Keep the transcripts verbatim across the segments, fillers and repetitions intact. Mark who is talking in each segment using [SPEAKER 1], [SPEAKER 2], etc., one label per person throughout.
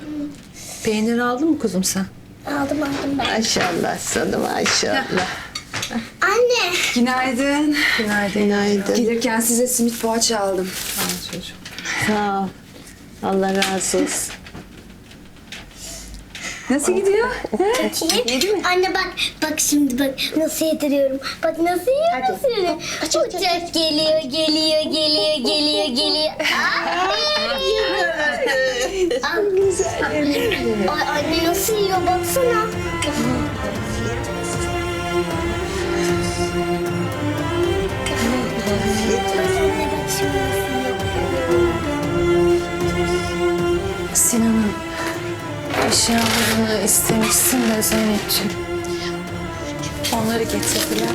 [SPEAKER 1] Peynir aldın mı kuzum sen?
[SPEAKER 2] Aldım aldım ben.
[SPEAKER 3] Maşallah sana maşallah.
[SPEAKER 2] Anne.
[SPEAKER 4] Günaydın.
[SPEAKER 1] Günaydın.
[SPEAKER 3] Günaydın.
[SPEAKER 4] Gelirken size simit poğaça aldım.
[SPEAKER 1] Al çocuğum.
[SPEAKER 3] Sağ ol. Allah razı olsun.
[SPEAKER 4] Nasıl gidiyor?
[SPEAKER 2] Bakayım. Anne bak. Bak şimdi bak. Nasıl yediriyorum. Bak nasıl yiyorum. Nasıl yiyorum. Uçak geliyor, geliyor, geliyor, geliyor, geliyor. Aferin.
[SPEAKER 3] Güzel.
[SPEAKER 2] Ay anne nasıl yiyor baksana. Anne bak şimdi nasıl yiyor.
[SPEAKER 1] Sinan'ın eşyalarını istemişsin de Zeynep'ciğim. Onları getirdiler.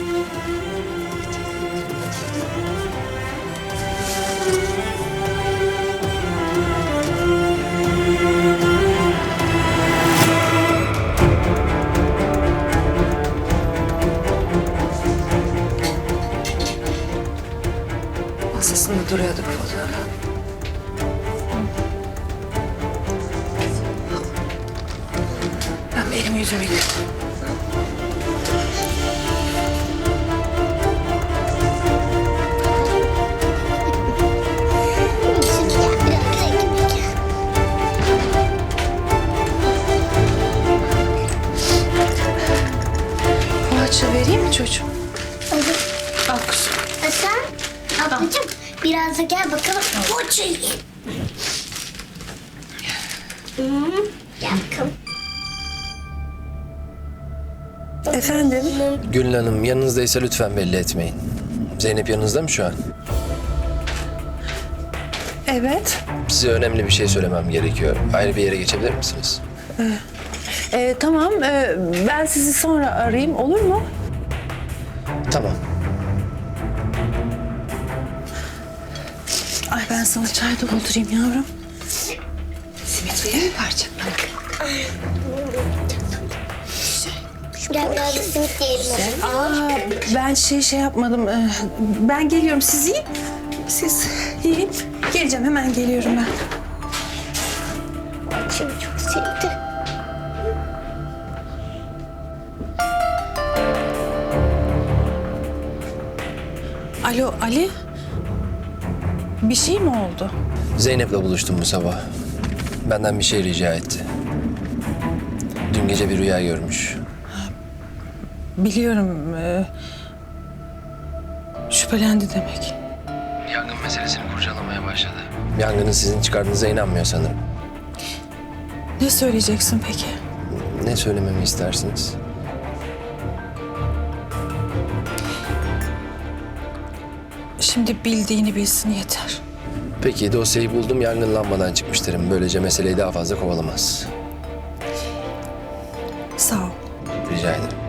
[SPEAKER 4] Masasında duruyordu fotoğraf. Ben bir elimi yüzümü yıkayayım.
[SPEAKER 2] Şimdi gel biraz da ekmek ye.
[SPEAKER 1] Poğaça vereyim mi çocuğum?
[SPEAKER 2] Olur.
[SPEAKER 1] Al kuzum.
[SPEAKER 2] E sen ablacığım biraz da gel bakalım. Poğaça yiyelim. Hmm, gel bakalım.
[SPEAKER 1] Efendim?
[SPEAKER 5] Gülün Hanım yanınızdaysa lütfen belli etmeyin. Zeynep yanınızda mı şu an?
[SPEAKER 1] Evet.
[SPEAKER 5] Size önemli bir şey söylemem gerekiyor. Ayrı bir yere geçebilir misiniz?
[SPEAKER 1] Ee, tamam. Ee, ben sizi sonra arayayım. Olur mu?
[SPEAKER 5] Tamam.
[SPEAKER 1] Ay ben sana çay doldurayım yavrum.
[SPEAKER 4] Simit verir mi parça?
[SPEAKER 2] Gel biraz da simit yiyelim. o zaman.
[SPEAKER 1] Aa, ben şey şey yapmadım. Ee, ben geliyorum. Siz yiyin. Siz yiyin. Geleceğim. Hemen geliyorum ben.
[SPEAKER 2] Şimdi çok sevdi.
[SPEAKER 1] Alo Ali. Bir şey mi oldu?
[SPEAKER 5] Zeynep'le buluştum bu sabah. Benden bir şey rica etti. Dün gece bir rüya görmüş.
[SPEAKER 1] Biliyorum. E, şüphelendi demek.
[SPEAKER 5] Yangın meselesini kurcalamaya başladı. Yangının sizin çıkardığınıza inanmıyor sanırım.
[SPEAKER 1] Ne söyleyeceksin peki?
[SPEAKER 5] Ne söylememi istersiniz?
[SPEAKER 1] Şimdi bildiğini bilsin yeter.
[SPEAKER 5] Peki dosyayı buldum, yangın lambadan çıkmış derim. Böylece meseleyi daha fazla kovalamaz.
[SPEAKER 1] Sağ ol.
[SPEAKER 5] Rica ederim.